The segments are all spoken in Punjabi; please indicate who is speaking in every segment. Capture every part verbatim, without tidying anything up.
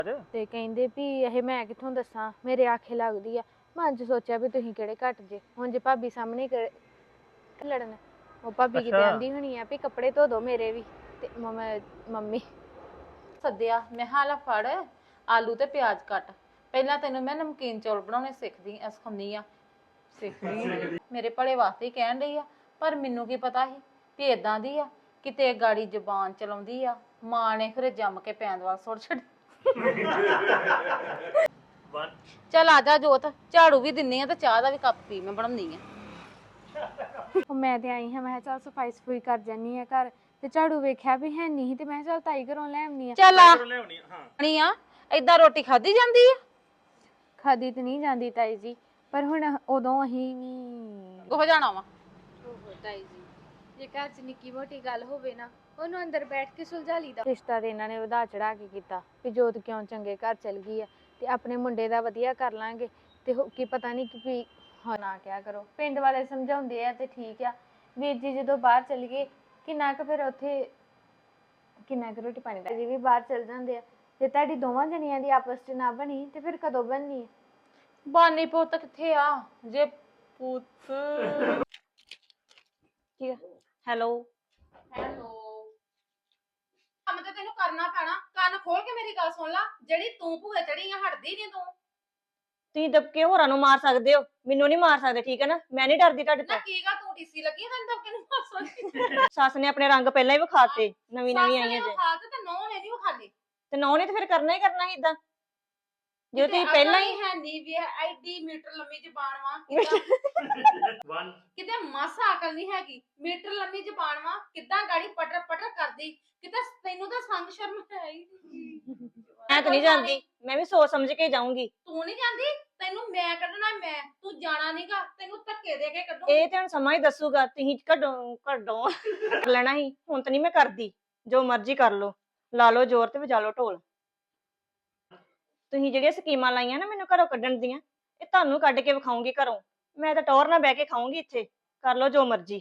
Speaker 1: ਤੇ ਕਹਿੰਦੇ ਵੀ ਇਹ ਮੈਂ ਕਿੱਥੋਂ ਦੱਸਾਂ, ਮੇਰੇ ਆਖੇ ਲੱਗਦੀ ਆ। ਮਨ ਚ ਸੋਚਿਆ ਵੀ ਤੁਸੀਂ ਕਿਹੜੇ ਘੱਟ ਜੇ, ਹੁਣ ਜੇ ਭਾਬੀ ਸਾਹਮਣੇ ਕਰ- ਲੜਨ। ਉਹ ਭਾਬੀ ਕਿਤੇ ਆਂਦੀ ਹੋਣੀ ਆ ਵੀ ਕੱਪੜੇ ਧੋ ਦੋ ਮੇਰੇ ਵੀ, ਤੇ ਮੰਮੀ
Speaker 2: ਸੱਦਿਆ ਮੈਂ ਹਾਲਾ ਫੜ ਆਲੂ ਤੇ ਪਿਆਜ਼ ਕੱਟ। ਪਹਿਲਾਂ ਤੈਨੂੰ ਮੈਂ ਨਮਕੀਨ ਚੌਲ ਬਣਾਉਣੇ ਸਿੱਖਦੀ ਐ ਸਿਖਾਉਂਦੀ ਆ ਸਿੱਖਦੀ ਮੇਰੇ ਭਲੇ ਵਾਸਤੇ ਹੀ ਕਹਿਣ ਡਈ ਆ, ਪਰ ਮੈਨੂੰ ਕੀ ਪਤਾ ਸੀ ਵੀ ਏਦਾਂ ਦੀ ਆ। ਕਿਤੇ ਗਾੜੀ ਜ਼ਬਾਨ ਚਲਾਉਂਦੀ ਆ, ਮਾਂ ਨੇ ਫਿਰ ਜੰਮ ਕੇ ਪੈਣ ਵਾਲ ਸੁੱਟ ਛੱਡ। ਚੱਲ ਆ ਜਾ ਜੋਤ, ਝਾੜੂ ਵੀ ਦਿੰਨੀ ਆ ਤੇ ਚਾਹ ਦਾ ਵੀ ਕੱਪ ਪੀ, ਮੈਂ ਬਣਾਉਂਦੀ ਆ।
Speaker 1: ਮੈਂ ਤੇ ਆਈ ਹਾਂ, ਮੈਂ ਕਿਹਾ ਚੱਲ ਸਫਾਈ ਸਫੂਈ ਕਰ ਜਾਨੀ ਆ ਘਰ, ਤੇ ਝਾੜੂ ਵੇਖਿਆ ਵੀ ਹੈ ਨਹੀਂ, ਤੇ ਮੈਂ ਕਿਹਾ ਚੱਲ ਤਾਈ ਘਰੋਂ ਲੈ ਆਉਣੀ ਆ।
Speaker 2: ਚੱਲ ਆ ਨਹੀਂ ਆ, ਏਦਾਂ ਰੋਟੀ ਖਾਧੀ ਜਾਂਦੀ ਆ?
Speaker 1: ਖਾਦੀ ਤੇ ਨਹੀਂ ਜਾਂਦੀ ਤਾਈ ਜੀ, ਪਰ ਹੁਣ ਉਦੋਂ ਅਸੀਂ ਵੀ
Speaker 2: ਹੋ ਜਾਣਾ ਵਾ।
Speaker 1: ਤਾਈ ਜੀ, ਜੇ ਘਰ 'ਚ ਨਿੱਕੀ ਮੋਟੀ ਗੱਲ ਹੋਵੇ ਨਾ, ਉਹਨੂੰ ਅੰਦਰ ਬੈਠ ਕੇ ਸੁਲਝਾ ਲਈਦਾ। ਰਿਸ਼ਤਾ ਤੇ ਇਹਨਾਂ ਨੇ ਵਧਾ ਚੜਾ ਕੇ ਕੀਤਾ ਵੀ ਜੋਤ ਕਿਉਂ ਚੰਗੇ ਘਰ ਚਲ ਗਈ ਆ, ਤੇ ਆਪਣੇ ਮੁੰਡੇ ਦਾ ਵਧੀਆ ਕਰ ਲਾਂਗੇ। ਤੇ ਕੀ ਪਤਾ ਨਹੀਂ ਕਿ ਹਾਂ ਨਾ ਕਿਆ ਕਰੋ, ਪਿੰਡ ਵਾਲੇ ਸਮਝਾਉਂਦੇ ਆ ਤੇ ਠੀਕ ਆ। ਵੀਰ ਜੀ ਜਦੋਂ ਬਾਹਰ ਚਲ ਗਏ, ਕਿੰਨਾ ਕੁ ਫਿਰ ਉੱਥੇ ਕਿੰਨਾ ਕੁ ਰੋਟੀ ਪਾਣੀ ਦਾ ਜੀ ਵੀ ਬਾਹਰ ਚਲ ਜਾਂਦੇ ਆ। ਜੇ ਤੁਹਾਡੀ ਦੋਵਾਂ ਜਣੀਆਂ ਦੀ ਆਪਸ 'ਚ ਨਾ ਬਣੀ ਤੇ ਫਿਰ ਕਦੋਂ ਬਣਨੀ?
Speaker 2: ਬਾਨੀ ਪੁੱਤ ਕਿੱਥੇ ਆ ਜੇ ਪੁੱਤ। ਹੈਲੋ ਹੈਲੋ, ਕੰਮ ਤੇ ਤੈਨੂੰ ਕਰਨਾ ਪੈਣਾ। ਕੰਨ ਖੋਲ ਕੇ ਮੇਰੀ ਗੱਲ ਸੁਣ ਲੈ, ਜਿਹੜੀ ਤੂੰ ਭੂਏ ਚੜੀ ਆ ਹਟਦੀ ਨਹੀਂ ਤੂੰ।
Speaker 3: ਤੁਸੀਂ ਦਬਕੇ ਹੋਰਾਂ ਨੂੰ ਮਾਰ ਸਕਦੇ ਹੋ, ਮੈਨੂੰ ਨਹੀਂ ਮਾਰ ਸਕਦੇ, ਠੀਕ ਹੈ ਨਾ? ਮੈਂ ਨਹੀਂ ਡਰਦੀ ਤੁਹਾਡੇ
Speaker 2: ਨਾ
Speaker 3: ਤੋਂ।
Speaker 2: ਕੀ ਗਾ ਤੂੰ ਟੀਸੀ ਲੱਗੀ ਤੈਨੂੰ ਦਬਕੇ ਨੂੰ ਮਾਰ ਸਕਦੀ?
Speaker 3: ਸੱਸ ਨੇ ਆਪਣੇ ਰੰਗ ਪਹਿਲਾਂ ਹੀ ਵਿਖਾਤੇ, ਨਵੀਂ ਨਵੀਂ ਆਈਆਂ ਜੇ।
Speaker 2: ਖਾ ਤੇ ਨੌ ਨੇ ਨਹੀਂ ਵਿਖਾਲੇ,
Speaker 3: ਤੇ ਨੌ ਨੇ ਤੇ ਫਿਰ ਕਰਨਾ ਹੀ ਕਰਨਾ ਸੀ ਇਦਾਂ, ਜੇ ਤੁਸੀਂ ਪਹਿਲਾਂ ਹੀ
Speaker 2: ਹੈ ਨਹੀਂ ਵੀ ਐਡੀ ਮੀਟਰ ਲੰਮੀ ਜ਼ਬਾਨ ਵਾ। ਕਿਤੇ ਮਾਸਾ ਅਕਲ ਨਹੀਂ ਹੈਗੀ, ਮੀਟਰ ਲੰਮੀ ਜ਼ਬਾਨ ਵਾ, ਕਿੱਦਾਂ ਗਾੜੀ ਪਟਰ ਪਟਰ ਕਰਦੀ। ਕਿਤੇ ਤੈਨੂੰ ਤਾਂ ਸੰਗ ਸ਼ਰਮ ਹੈ ਹੀ ਨਹੀਂ।
Speaker 3: ਮੈਂ ਤਾਂ ਨਹੀਂ ਜਾਂਦੀ, ਮੈਂ ਵੀ ਸੋਚ ਸਮਝ ਕੇ ਜਾਊਂਗੀ।
Speaker 2: ਤੂੰ ਨਹੀਂ ਜਾਂਦੀ, ਤੈਨੂੰ ਮੈਂ ਕੱਢਣਾ, ਮੈਂ ਤੂੰ ਜਾਣਾ ਨਹੀਂਗਾ, ਤੈਨੂੰ ਧੱਕੇ ਦੇ ਕੇ ਕੱਢੂ।
Speaker 3: ਇਹ ਤੇ ਹੁਣ ਸਮਾਂ ਹੀ ਦੱਸੂਗਾ, ਤੁਸੀਂ ਕੱਢੋ ਕੱਢੋ ਕਰ ਲੈਣਾ ਸੀ। ਹੁਣ ਤਾਂ ਨਹੀਂ ਮੈਂ ਕਰਦੀ, ਜੋ ਮਰਜ਼ੀ ਕਰ ਲਓ, ਲਾ ਲਓ ਜ਼ੋਰ ਤੇ ਵਜਾ ਲਓ ਢੋਲ। ਤੁਸੀਂ ਜਿਹੜੀਆਂ ਸਕੀਮਾਂ ਲਾਈਆਂ ਨਾ ਮੈਨੂੰ ਘਰੋਂ ਕੱਢਣ ਦੀਆਂ, ਇਹ ਤੁਹਾਨੂੰ ਕੱਢ ਕੇ ਵਿਖਾਉਂਗੀ ਘਰੋਂ। ਮੈਂ ਤਾਂ ਟੌਰ ਨਾਲ ਬਹਿ ਕੇ ਖਾਊਂਗੀ ਇੱਥੇ, ਕਰ ਲਓ ਜੋ ਮਰਜ਼ੀ।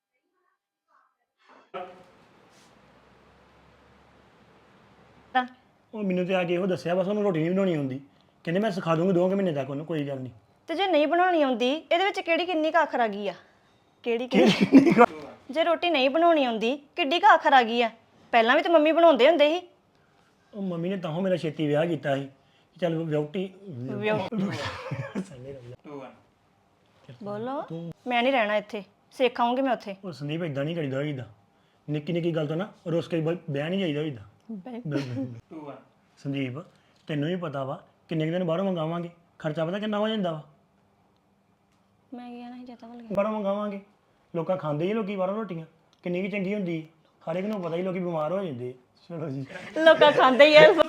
Speaker 4: ਉਹ ਮੈਨੂੰ ਤੇ ਆ ਕੇ ਇਹੋ ਦੱਸਿਆ, ਬਸ ਉਹਨੂੰ ਰੋਟੀ ਨਹੀਂ ਬਣਾਉਣੀ ਆਉਂਦੀ। ਕਹਿੰਦੇ ਮੈਂ ਸਿਖਾ ਦੂੰਗੀ ਦੋ ਕੁ ਮਹੀਨੇ ਤੱਕ ਉਹਨੂੰ, ਕੋਈ ਗੱਲ ਨਹੀਂ।
Speaker 3: ਤੇ ਜੇ ਨਹੀਂ ਬਣਾਉਣੀ ਆਉਂਦੀ, ਇਹਦੇ ਵਿੱਚ ਕਿਹੜੀ ਕਿੰਨੀ ਕੁ ਆਖਰ ਆ ਗਈ ਆ? ਕਿਹੜੀ ਕਿੰਨੀ? ਜੇ ਰੋਟੀ ਨਹੀਂ ਬਣਾਉਣੀ ਆਉਂਦੀ, ਕਿੱਡੀ ਕੁ ਆਖਰ ਆ ਗਈ ਆ? ਪਹਿਲਾਂ ਵੀ ਤਾਂ ਮੰਮੀ ਬਣਾਉਂਦੇ ਹੁੰਦੇ ਸੀ।
Speaker 4: ਉਹ ਮੰਮੀ ਨੇ ਤਾਂ ਮੇਰਾ ਛੇਤੀ ਵਿਆਹ ਕੀਤਾ ਸੀ, ਚੱਲ ਵਿਆਹਟੀ
Speaker 3: ਬੋਲੋ। ਮੈਂ ਨਹੀਂ ਰਹਿਣਾ ਇੱਥੇ, ਸਿੱਖ ਆਉਂਗੀ ਮੈਂ ਉੱਥੇ।
Speaker 4: ਉਹ ਸੰਦੀਪ ਇਦਾਂ ਨਹੀਂ ਕਰੀਦਾ ਹੋਈਦਾ, ਨਿੱਕੀ ਨਿੱਕੀ ਗੱਲ ਤੋਂ ਨਾ ਰੁੱਸ ਕੇ ਵਿਆਹ ਨਹੀਂ ਜਾਈਦਾ ਹੋਈਦਾ। ਸੰਦੀਪ ਤੈਨੂੰ ਵੀ ਪਤਾ ਵਾ, ਕਿੰਨੇ ਕੁ ਦਿਨ ਬਾਹਰੋਂ ਮੰਗਾਵਾਂਗੇ, ਖਰਚਾ ਪਤਾ ਕਿੰਨਾ ਹੋ ਜਾਂਦਾ ਵਾ।
Speaker 3: ਮੈਂ ਗਿਆ ਨਾ ਜਤਾ ਵੱਲ
Speaker 4: ਬਾਹਰੋਂ ਮੰਗਾਵਾਂਗੇ, ਲੋਕਾਂ ਖਾਂਦੇ ਹੀ ਲੋਕੀ ਬਾਹਰੋਂ ਰੋਟੀਆਂ, ਕਿੰਨੀ ਵੀ ਚੰਗੀ ਹੁੰਦੀ, ਹਰ ਇੱਕ ਨੂੰ ਪਤਾ ਹੀ ਲੋਕੀ ਬਿਮਾਰ ਹੋ ਜਾਂਦੇ। ਚਲੋ ਜੀ,
Speaker 3: ਲੋਕਾਂ ਖਾਂਦੇ ਹੀ ਆ।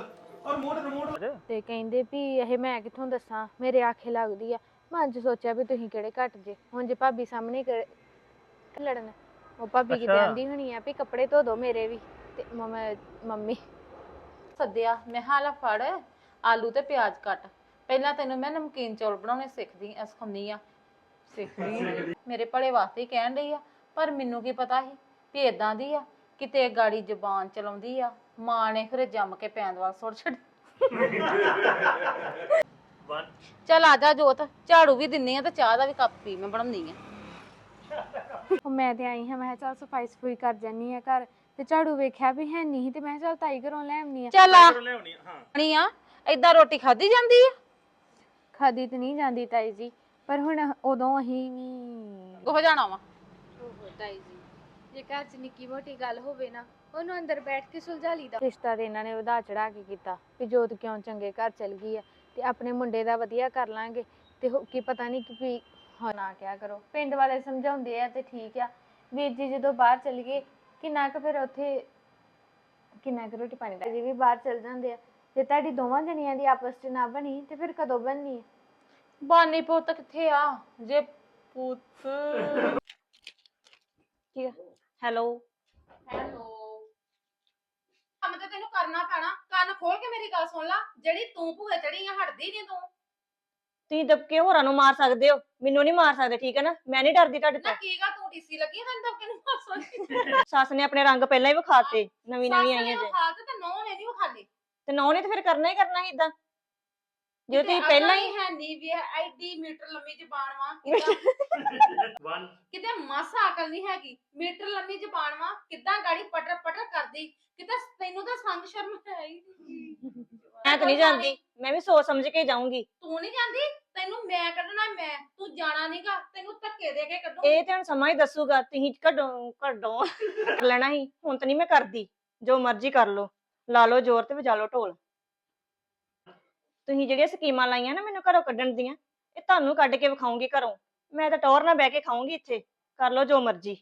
Speaker 1: ਤੇ ਕਹਿੰਦੇ ਵੀ ਇਹ ਮੈਂ ਕਿੱਥੋਂ ਦੱਸਾਂ, ਮੇਰੇ ਆਖੇ ਲੱਗਦੀ ਆ। ਮਨ ਚ ਸੋਚਿਆ ਵੀ ਤੁਸੀਂ ਕਿਹੜੇ ਘੱਟ ਜੇ, ਹੁਣ ਜੇ ਭਾਬੀ ਸਾਹਮਣੇ ਕਰ- ਲੜਨ। ਉਹ ਭਾਬੀ ਕਿਤੇ ਆਂਦੀ ਹੋਣੀ ਆ ਵੀ ਕੱਪੜੇ ਧੋ ਦੋ ਮੇਰੇ ਵੀ, ਤੇ ਮੰਮੀ
Speaker 2: ਸੱਦਿਆ ਮੈਂ ਹਾਲਾ ਫੜ ਆਲੂ ਤੇ ਪਿਆਜ਼ ਕੱਟ। ਪਹਿਲਾਂ ਤੈਨੂੰ ਮੈਂ ਨਮਕੀਨ ਚੌਲ ਬਣਾਉਣੇ ਸਿੱਖਦੀ ਐ ਸਿਖਾਉਂਦੀ ਆ ਸਿੱਖਦੀ ਮੇਰੇ ਭਲੇ ਵਾਸਤੇ ਹੀ ਕਹਿਣ ਡਈ ਆ, ਪਰ ਮੈਨੂੰ ਕੀ ਪਤਾ ਸੀ ਵੀ ਏਦਾਂ ਦੀ ਆ। ਕਿਤੇ ਗਾੜੀ ਜ਼ਬਾਨ ਚਲਾਉਂਦੀ ਆ, ਮਾਂ ਨੇ ਫਿਰ ਜੰਮ ਕੇ ਪੈਣ ਵਾਲ ਸੁੱਟ ਛੱਡ। ਚੱਲ ਆ ਜਾ ਜੋਤ, ਝਾੜੂ ਵੀ ਦਿੰਨੀ ਆ ਤੇ ਚਾਹ ਦਾ ਵੀ ਕੱਪ ਪੀ, ਮੈਂ ਬਣਾਉਂਦੀ ਆ।
Speaker 1: ਮੈਂ ਤੇ ਆਈ ਹਾਂ, ਮੈਂ ਕਿਹਾ ਚੱਲ ਸਫਾਈ ਸਫੂਈ ਕਰ ਜਾਨੀ ਆ ਘਰ, ਤੇ ਝਾੜੂ ਵੇਖਿਆ ਵੀ ਹੈ ਨਹੀਂ, ਤੇ ਮੈਂ ਕਿਹਾ ਚੱਲ ਤਾਈ ਘਰੋਂ ਲੈ ਆਉਣੀ ਆ।
Speaker 2: ਚੱਲ ਆ ਨਹੀਂ ਆ, ਏਦਾਂ ਰੋਟੀ ਖਾਧੀ ਜਾਂਦੀ ਆ?
Speaker 1: ਖਾਦੀ ਤੇ ਨਹੀਂ ਜਾਂਦੀ ਤਾਈ ਜੀ, ਪਰ ਹੁਣ ਉਦੋਂ ਅਸੀਂ ਵੀ
Speaker 2: ਹੋ ਜਾਣਾ ਵਾ।
Speaker 1: ਤਾਈ ਜੀ, ਜੇ ਘਰ 'ਚ ਨਿੱਕੀ ਮੋਟੀ ਗੱਲ ਹੋਵੇ ਨਾ, ਉਹਨੂੰ ਅੰਦਰ ਬੈਠ ਕੇ ਸੁਲਝਾ ਲਈਦਾ। ਰਿਸ਼ਤਾ ਤੇ ਇਹਨਾਂ ਨੇ ਵਧਾ ਚੜਾ ਕੇ ਕੀਤਾ ਵੀ ਜੋਤ ਕਿਉਂ ਚੰਗੇ ਘਰ ਚਲ ਗਈ ਆ, ਤੇ ਆਪਣੇ ਮੁੰਡੇ ਦਾ ਵਧੀਆ ਕਰ ਲਾਂਗੇ। ਤੇ ਕੀ ਪਤਾ ਨਹੀਂ ਕਿ ਹਾਂ ਨਾ ਕਿਆ ਕਰੋ, ਪਿੰਡ ਵਾਲੇ ਸਮਝਾਉਂਦੇ ਆ ਤੇ ਠੀਕ ਆ। ਵੀਰ ਜੀ ਜਦੋਂ ਬਾਹਰ ਚਲ ਗਏ, ਕਿੰਨਾ ਕੁ ਫਿਰ ਉੱਥੇ ਕਿੰਨਾ ਕੁ ਰੋਟੀ ਪਾਣੀ ਦਾ ਜੀ ਵੀ ਬਾਹਰ ਚਲ ਜਾਂਦੇ ਆ। ਜੇ ਤੁਹਾਡੀ ਦੋਵਾਂ ਜਣੀਆਂ ਦੀ ਆਪਸ 'ਚ ਨਾ ਬਣੀ ਤੇ ਫਿਰ ਕਦੋਂ ਬਣਨੀ?
Speaker 2: ਬਾਨੀ ਪੁੱਤ ਕਿੱਥੇ ਆ ਜੇ ਪੁੱਤ।
Speaker 3: ਹੈਲੋ
Speaker 2: ਹੈਲੋ, ਕੰਮ ਤੇ ਤੈਨੂੰ ਕਰਨਾ ਪੈਣਾ। ਕੰਨ ਖੋਲ ਕੇ ਮੇਰੀ ਗੱਲ ਸੁਣ ਲੈ, ਜਿਹੜੀ ਤੂੰ ਭੂਏ ਚੜੀ ਆ ਹਟਦੀ ਨਹੀਂ ਤੂੰ।
Speaker 3: ਤੁਸੀਂ ਦਬਕੇ ਹੋਰਾਂ ਨੂੰ ਮਾਰ ਸਕਦੇ ਹੋ, ਮੈਨੂੰ ਨਹੀਂ ਮਾਰ ਸਕਦੇ, ਠੀਕ ਹੈ ਨਾ? ਮੈਂ ਨਹੀਂ ਡਰਦੀ ਤੁਹਾਡੇ
Speaker 2: ਨਾ
Speaker 3: ਤੋਂ।
Speaker 2: ਕੀ ਗਾ ਤੂੰ ਟੀਸੀ ਲੱਗੀ ਤੈਨੂੰ ਦਬਕੇ ਨੂੰ ਮਾਰ ਸਕਦੀ?
Speaker 3: ਸੱਸ ਨੇ ਆਪਣੇ ਰੰਗ ਪਹਿਲਾਂ ਹੀ ਵਿਖਾਤੇ, ਨਵੀਂ ਨਵੀਂ ਆਈਆਂ ਜੇ।
Speaker 2: ਖਾ ਤੇ ਨੌ ਨੇ ਨਹੀਂ ਵਿਖਾਲੇ,
Speaker 3: ਤੇ ਨੌ ਨੇ ਤੇ ਫਿਰ ਕਰਨਾ ਹੀ ਕਰਨਾ ਸੀ ਇਦਾਂ ਜੇ ਤੁਸੀਂ ਪਹਿਲਾਂ ਹੀ
Speaker 2: ਹੈ ਨਹੀਂ ਵੀ ਐਡੀ ਮੀਟਰ ਲੰਮੀ ਜ਼ਬਾਨ ਵਾ ਕਿਦਾਂ ਕਿਤੇ ਮਾਸਾ ਅਕਲ ਨਹੀਂ ਹੈਗੀ ਮੀਟਰ ਲੰਮੀ ਜ਼ਬਾਨ ਵਾ ਕਿਦਾਂ ਗਾੜੀ ਪਟਰ ਪਟਰ ਕਰਦੀ ਕਿਤੇ ਤੈਨੂੰ ਤਾਂ ਸੰਗ ਸ਼ਰਮ ਹੈ ਹੀ ਨਹੀਂ
Speaker 3: ਮੈਂ ਤਾਂ ਨਹੀਂ ਜਾਂਦੀ ਮੈਂ ਵੀ ਸੋਚ ਸਮਝ ਕੇ ਜਾਊਂਗੀ
Speaker 2: ਤੂੰ ਨਹੀਂ ਜਾਂਦੀ ਤੈਨੂੰ ਮੈਂ ਕੱਢਣਾ ਮੈਂ ਤੂੰ ਜਾਣਾ ਨਹੀਂਗਾ ਤੈਨੂੰ ਧੱਕੇ ਦੇ ਕੇ ਕੱਢੂ
Speaker 3: ਇਹ ਤੇ ਹੁਣ ਸਮਾਂ ਹੀ ਦੱਸੂਗਾ ਤੁਸੀਂ ਕੱਢੋ ਕੱਢੋ ਕਰ ਲੈਣਾ ਸੀ ਹੁਣ ਤਾਂ ਨਹੀਂ ਮੈਂ ਕਰਦੀ ਜੋ ਮਰਜ਼ੀ ਕਰ ਲਓ ਲਾ ਲਓ ਜ਼ੋਰ ਤੇ ਵਜਾ ਲਓ ਢੋਲ ਤੁਸੀਂ ਜਿਹੜੀਆਂ ਸਕੀਮਾਂ ਲਾਈਆਂ ਨਾ ਮੈਨੂੰ ਘਰੋਂ ਕੱਢਣ ਦੀਆਂ ਇਹ ਤੁਹਾਨੂੰ ਕੱਢ ਕੇ ਵਿਖਾਉਂਗੀ ਘਰੋਂ ਮੈਂ ਤਾਂ ਟੌਰ ਨਾਲ ਬਹਿ ਕੇ ਖਾਊਂਗੀ ਇੱਥੇ ਕਰ ਲਓ ਜੋ ਮਰਜ਼ੀ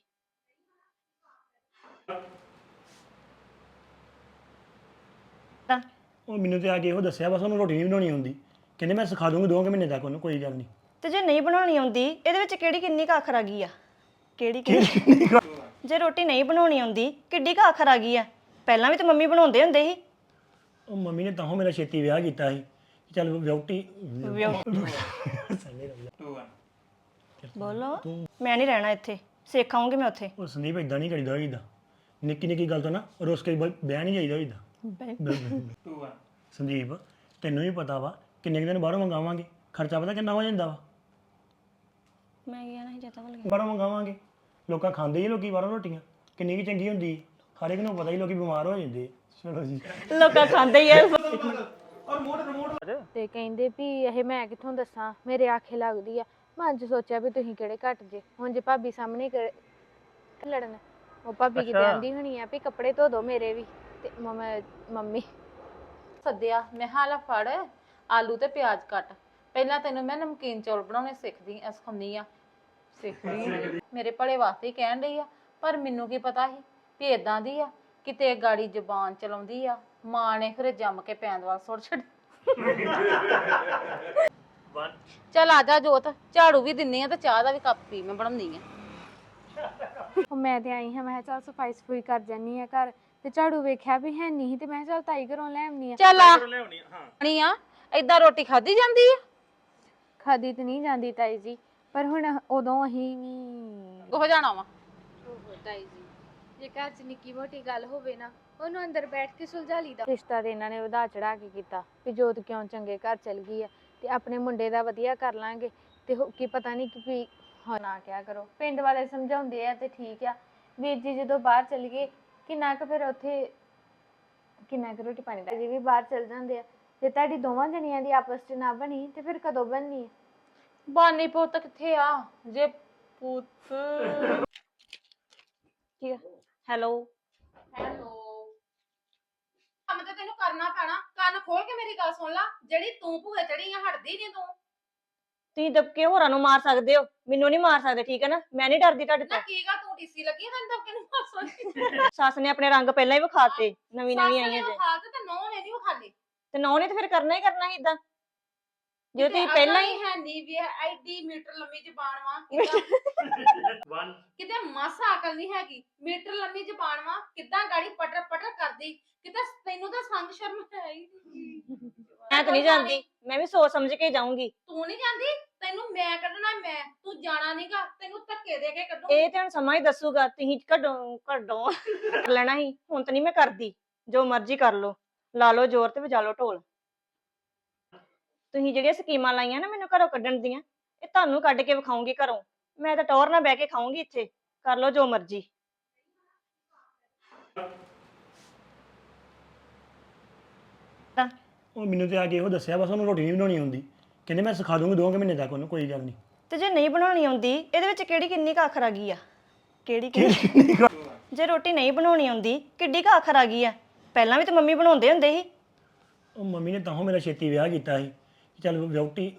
Speaker 4: ਉਹ ਮੈਨੂੰ ਤੇ ਆ ਕੇ ਇਹੋ ਦੱਸਿਆ ਬਸ ਉਹਨੂੰ ਰੋਟੀ ਨਹੀਂ ਬਣਾਉਣੀ ਆਉਂਦੀ ਕਹਿੰਦੇ ਮੈਂ ਸਿਖਾ ਦੂੰਗੀ ਦੋ ਕੁ ਮਹੀਨੇ ਤੱਕ ਉਹਨੂੰ ਕੋਈ ਗੱਲ ਨਹੀਂ
Speaker 3: ਤੇ ਜੇ ਨਹੀਂ ਬਣਾਉਣੀ ਆਉਂਦੀ ਇਹਦੇ ਵਿੱਚ ਕਿਹੜੀ ਕਿੰਨੀ ਕੁ ਆਖਰ ਆ ਗਈ ਆ ਕਿਹੜੀ ਕਿੰਨੀ ਜੇ ਰੋਟੀ ਨਹੀਂ ਬਣਾਉਣੀ ਆਉਂਦੀ ਕਿੱਡੀ ਕੁ ਆਖਰ ਆ ਗਈ ਆ ਪਹਿਲਾਂ ਵੀ ਤਾਂ ਮੰਮੀ ਬਣਾਉਂਦੇ ਹੁੰਦੇ ਸੀ
Speaker 4: ਉਹ ਮੰਮੀ ਨੇ ਤਾਂ ਮੇਰਾ ਛੇਤੀ ਵਿਆਹ ਕੀਤਾ ਸੀ ਕਿ ਚੱਲ ਵਿਆਹਟੀ
Speaker 3: ਬੋਲੋ ਮੈਂ ਨਹੀਂ ਰਹਿਣਾ ਇੱਥੇ ਸਿੱਖ ਆਉਂਗੀ ਮੈਂ ਉੱਥੇ
Speaker 4: ਉਹ ਸੰਦੀਪ ਇਦਾਂ ਨਹੀਂ ਕਰੀਦਾ ਹੋਈਦਾ ਨਿੱਕੀ ਨਿੱਕੀ ਗੱਲ ਤੋਂ ਨਾ ਰੋਸ ਕੇ ਵਿਆਹ ਨਹੀਂ ਜਾਈਦਾ ਹੋਈਦਾ ਸੰਦੀਪ ਤੈਨੂੰ ਵੀ ਪਤਾ ਵਾ ਕਿੰਨੇ ਕੁ ਦਿਨ ਬਾਹਰੋਂ ਮੰਗਾਵਾਂਗੇ ਖਰਚਾ ਪਤਾ ਕਿੰਨਾ ਹੋ ਜਾਂਦਾ ਵਾ
Speaker 3: ਮੈਂ ਗਿਆ ਨਹੀਂ ਜਤਾ ਵੱਲ
Speaker 4: ਬਾਹਰੋਂ ਮੰਗਾਵਾਂਗੇ ਲੋਕਾਂ ਖਾਂਦੇ ਹੀ ਲੋਕੀ ਬਾਹਰੋਂ ਰੋਟੀਆਂ ਕਿੰਨੀ ਕੁ ਚੰਗੀ ਹੁੰਦੀ ਹੈ। ਹਰ ਇੱਕ ਨੂੰ ਪਤਾ ਹੀ ਲੋਕੀ ਬਿਮਾਰ ਹੋ ਜਾਂਦੇ ਆ। ਚਲੋ ਜੀ
Speaker 3: ਲੋਕਾਂ ਖਾਂਦੇ ਹੀ ਆ
Speaker 1: ਤੇ ਕਹਿੰਦੇ ਵੀ ਇਹ ਮੈਂ ਕਿੱਥੋਂ ਦੱਸਾਂ ਮੇਰੇ ਆਖੇ ਲੱਗਦੀ ਆ ਮੈਂ ਅੱਜ ਸੋਚਿਆ ਵੀ ਤੁਸੀਂ ਕਿਹੜੇ ਘੱਟ ਜੇ ਹੁਣ ਜੇ ਭਾਬੀ ਸਾਹਮਣੇ ਕਿਹੜੇ ਲੜਨ ਉਹ ਭਾਬੀ ਕਿਤੇ ਆਂਦੀ ਹੋਣੀ ਆ ਵੀ ਕੱਪੜੇ ਧੋ ਦੋ ਮੇਰੇ ਵੀ ਤੇ ਮਮ- ਮੰਮੀ
Speaker 2: ਸੱਦਿਆ ਮੈਂ ਹਾਲਾ ਫੜ ਆਲੂ ਤੇ ਪਿਆਜ਼ ਕੱਟ ਪਹਿਲਾਂ ਤੈਨੂੰ ਮੈਂ ਨਮਕੀਨ ਚੌਲ ਬਣਾਉਣੇ ਸਿੱਖਦੀ ਐ ਸਿਖਾਉਂਦੀ ਆ ਸਿੱਖਦੀ ਮੇਰੇ ਭਲੇ ਵਾਸਤੇ ਹੀ ਕਹਿਣ ਡਈ ਆ ਪਰ ਮੈਨੂੰ ਕੀ ਪਤਾ ਸੀ ਵੀ ਇਦਾਂ ਦੀ ਆ ਕਿਤੇ ਗਾੜੀ ਜ਼ਬਾਨ ਚਲਾਉਂਦੀ ਆ ਮਾਂ ਨੇ ਫਿਰ ਜੰਮ ਕੇ ਪੈਣ ਵਾਲ ਸੁੱਟ ਛੱਡ ਚੱਲ ਆ ਜਾ ਜੋਤ ਝਾੜੂ ਵੀ ਦਿੰਨੀ ਆ ਤੇ ਚਾਹ ਦਾ ਵੀ ਕੱਪ ਪੀ ਮੈਂ ਬਣਾਉਂਦੀ ਆ
Speaker 1: ਉਹ ਮੈਂ ਤੇ ਆਈ ਹਾਂ ਮੈਂ ਕਿਹਾ ਚੱਲ ਸਫਾਈ ਸਫੂਈ ਕਰ ਜਾਨੀ ਆ ਘਰ ਤੇ ਝਾੜੂ ਵੇਖਿਆ ਵੀ ਹੈ ਨਹੀਂ ਤੇ ਮੈਂ ਕਿਹਾ ਚੱਲ ਤਾਈ ਘਰੋਂ ਲੈ ਆਉਣੀ ਆ
Speaker 2: ਚੱਲ ਆ ਨਹੀਂ ਆ ਏਦਾਂ ਰੋਟੀ ਖਾਧੀ ਜਾਂਦੀ ਆ
Speaker 1: ਖਾਦੀ ਤੇ ਨਹੀਂ ਜਾਂਦੀ ਤਾਈ ਜੀ ਪਰ ਹੁਣ ਉਦੋਂ ਅਸੀਂ ਵੀ
Speaker 2: ਹੋ ਜਾਣਾ ਵਾ
Speaker 1: ਓਹੋ ਤਾਈ ਜੀ ਜੇ ਘਰ 'ਚ ਨਿੱਕੀ ਮੋਟੀ ਗੱਲ ਹੋਵੇ ਨਾ ਉਹਨੂੰ ਅੰਦਰ ਬੈਠ ਕੇ ਸੁਲਝਾ ਲਈਦਾ ਰਿਸ਼ਤਾ ਤੇ ਇਹਨਾਂ ਨੇ ਵਧਾ ਚੜਾ ਕੇ ਕੀਤਾ ਵੀ ਜੋਤ ਕਿਉਂ ਚੰਗੇ ਘਰ ਚਲ ਗਈ ਆ ਤੇ ਆਪਣੇ ਮੁੰਡੇ ਦਾ ਵਧੀਆ ਕਰ ਲਾਂਗੇ ਤੇ ਹੋ- ਕੀ ਪਤਾ ਨਹੀਂ ਕਿ ਵੀ ਹਾਂ ਨਾ ਕਿਆ ਕਰੋ ਪਿੰਡ ਵਾਲੇ ਸਮਝਾਉਂਦੇ ਆ ਤੇ ਠੀਕ ਆ ਵੀਰ ਜੀ ਜਦੋਂ ਬਾਹਰ ਚਲ ਗਏ ਕਿੰਨਾ ਕੁ ਫਿਰ ਉੱਥੇ ਕਿੰਨਾ ਕੁ ਰੋਟੀ ਪਾਣੀ ਦਾ ਜੀ ਵੀ ਬਾਹਰ ਚਲ ਜਾਂਦੇ ਆ ਜੇ ਤੁਹਾਡੀ ਦੋਵਾਂ ਜਣੀਆਂ ਦੀ ਆਪਸ 'ਚ ਨਾ ਬਣੀ ਤੇ ਫਿਰ ਕਦੋਂ ਬਣਨੀ ਹੈ
Speaker 2: ਬਾਨੀ ਪੁੱਤ ਕਿੱਥੇ ਆ ਜੇ ਪੁੱਤ
Speaker 3: ਕੀ ਹੈਲੋ
Speaker 2: ਹੈਲੋ ਕੰਮ ਤੇ ਤੈਨੂੰ ਕਰਨਾ ਪੈਣਾ ਕੰਨ ਖੋਲ ਕੇ ਮੇਰੀ ਗੱਲ ਸੁਣ ਲੈ ਜਿਹੜੀ ਤੂੰ ਭੂਏ ਚੜੀ ਆ ਹਟਦੀ ਨਹੀਂ ਤੂੰ
Speaker 3: ਤੁਸੀਂ ਦਬਕੇ ਹੋਰਾਂ ਨੂੰ ਮਾਰ ਸਕਦੇ ਹੋ ਮੈਨੂੰ ਨਹੀਂ ਮਾਰ ਸਕਦੇ ਠੀਕ ਹੈ ਨਾ ਮੈਂ ਨਹੀਂ ਡਰਦੀ ਤੁਹਾਡੇ
Speaker 2: ਨਾ
Speaker 3: ਤੋਂ
Speaker 2: ਕੀ ਗਾ ਤੂੰ ਟੀਸੀ ਲੱਗੀ ਆ, ਤੈਨੂੰ ਤਾਂ ਕਿਹਨੂੰ ਮਾਸਾ
Speaker 3: ਸੱਸ ਨੇ ਆਪਣੇ ਰੰਗ ਪਹਿਲਾਂ ਹੀ ਵਿਖਾਤੇ ਨਵੀਂ ਨਵੀਂ ਆਈਆਂ ਜੇ
Speaker 2: ਹਾਲਤ ਤੇ ਨੌ ਨੇ ਨਹੀਂ ਵਿਖਾਲੀ
Speaker 3: ਤੇ ਨੌ ਨੇ ਤੇ ਫਿਰ ਕਰਨਾ ਹੀ ਕਰਨਾ ਸੀ ਇਦਾਂ ਜੇ ਤੁਸੀਂ ਪਹਿਲਾਂ ਹੀ
Speaker 2: ਹੈ ਨਹੀਂ ਵੀ ਐਡੀ ਮੀਟਰ ਲੰਮੀ ਜ਼ਬਾਨ ਵਾ ਕਿਦਾਂ ਕਿਤੇ ਮਾਸਾ ਅਕਲ ਨਹੀਂ ਹੈਗੀ ਮੀਟਰ ਲੰਮੀ ਜ਼ਬਾਨ ਵਾ ਕਿਦਾਂ ਗਾੜੀ ਪਟਰ ਪਟਰ ਕਰਦੀ ਕਿਤੇ ਤੈਨੂੰ ਤਾਂ ਸੰਗ ਸ਼ਰਮ ਹੈ ਹੀ ਨਹੀਂ
Speaker 3: ਮੈਂ ਤਾਂ ਨਹੀਂ ਜਾਂਦੀ ਮੈਂ ਵੀ ਸੋਚ ਸਮਝ ਕੇ ਜਾਊਂਗੀ
Speaker 2: ਤੂੰ ਨਹੀਂ ਜਾਂਦੀ ਤੈਨੂੰ ਮੈਂ ਕੱਢਣਾ ਮੈਂ ਤੂੰ ਜਾਣਾ ਨਹੀਂਗਾ ਤੈਨੂੰ ਧੱਕੇ ਦੇ ਕੇ ਕੱਢੂ
Speaker 3: ਇਹ ਤੇ ਹੁਣ ਸਮਾਂ ਹੀ ਦੱਸੂਗਾ ਤੁਸੀਂ ਕੱਢੋ ਕੱਢੋ ਕਰ ਲੈਣਾ ਸੀ ਹੁਣ ਤਾਂ ਨਹੀਂ ਮੈਂ ਕਰਦੀ ਜੋ ਮਰਜ਼ੀ ਕਰ ਲਓ ਲਾ ਲਓ ਜ਼ੋਰ ਤੇ ਵਜਾ ਲਓ ਢੋਲ ਤੁਸੀਂ ਜਿਹੜੀਆਂ ਸਕੀਮਾਂ ਲਾਈਆਂ ਨਾ ਮੈਨੂੰ ਘਰੋਂ ਕੱਢਣ ਦੀਆਂ ਇਹ ਤੁਹਾਨੂੰ ਕੱਢ ਕੇ ਵਿਖਾਉਂਗੀ ਘਰੋਂ ਮੈਂ ਤਾਂ ਟੌਰ ਨਾਲ ਬਹਿ ਕੇ ਖਾਊਂਗੀ ਇੱਥੇ ਕਰ ਲਓ ਜੋ ਮਰਜ਼ੀ
Speaker 4: ਉਹ ਮੈਨੂੰ ਤੇ ਆ ਕੇ ਇਹੋ ਦੱਸਿਆ ਬਸ ਉਹਨੂੰ ਰੋਟੀ ਨਹੀਂ ਬਣਾਉਣੀ ਆਉਂਦੀ ਕਹਿੰਦੇ ਮੈਂ ਸਿਖਾ ਦੂੰਗੀ ਦੋ ਕੁ ਮਹੀਨੇ ਤੱਕ ਉਹਨੂੰ ਕੋਈ ਗੱਲ ਨਹੀਂ
Speaker 3: ਤੇ ਜੇ ਨਹੀਂ ਬਣਾਉਣੀ ਆਉਂਦੀ ਇਹਦੇ ਵਿੱਚ ਕਿਹੜੀ ਕਿੰਨੀ ਕੁ ਆਖਰ ਆ ਗਈ ਆ ਕਿਹੜੀ ਕਿੰਨੀ ਜੇ ਰੋਟੀ ਨਹੀਂ ਬਣਾਉਣੀ ਆਉਂਦੀ ਕਿੱਡੀ ਕੁ ਆਖਰ ਆ ਗਈ ਆ ਪਹਿਲਾਂ ਵੀ ਤਾਂ ਮੰਮੀ ਬਣਾਉਂਦੇ ਹੁੰਦੇ ਸੀ
Speaker 4: ਉਹ ਮੰਮੀ ਨੇ ਤਾਂ ਮੇਰਾ ਛੇਤੀ ਵਿਆਹ ਕੀਤਾ ਸੀ ਕਿ ਚੱਲ ਵਿਆਹਟੀ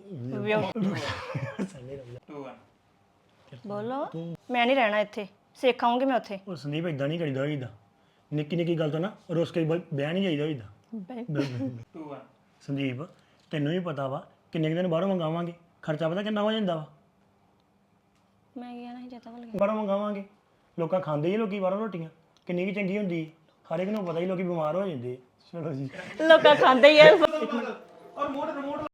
Speaker 3: ਬੋਲੋ ਮੈਂ ਨਹੀਂ ਰਹਿਣਾ ਇੱਥੇ ਸਿੱਖ ਆਉਂਗੀ ਮੈਂ ਉੱਥੇ
Speaker 4: ਉਹ ਸੰਦੀਪ ਇਦਾਂ ਨਹੀਂ ਕਰੀਦਾ ਹੋਈਦਾ ਨਿੱਕੀ ਨਿੱਕੀ ਗੱਲ ਤੋਂ ਨਾ ਰੋਸ ਕੇ ਵਿਆਹ ਨਹੀਂ ਜਾਈਦਾ ਹੋਈਦਾ ਸੰਦੀਪ ਤੈਨੂੰ ਵੀ ਪਤਾ ਵਾ ਕਿੰਨੇ ਕੁ ਦਿਨ ਬਾਹਰੋਂ ਮੰਗਾਵਾਂਗੇ ਖਰਚਾ ਪਤਾ ਕਿੰਨਾ ਹੋ ਜਾਂਦਾ ਵਾ
Speaker 3: ਮੈਂ ਗਿਆ ਨਹੀਂ ਜਤਾ ਵੱਲ
Speaker 4: ਬਾਹਰੋਂ ਮੰਗਾਵਾਂਗੇ ਲੋਕਾਂ ਖਾਂਦੇ ਹੀ ਲੋਕੀ ਬਾਹਰੋਂ ਰੋਟੀਆਂ ਕਿੰਨੀ ਕੁ ਚੰਗੀ ਹੁੰਦੀ ਹੈ। ਹਰ ਇੱਕ ਨੂੰ ਪਤਾ ਹੀ ਲੋਕੀ ਬਿਮਾਰ ਹੋ ਜਾਂਦੇ ਆ। ਚਲੋ ਜੀ
Speaker 3: ਲੋਕਾਂ ਖਾਂਦੇ ਹੀ ਆ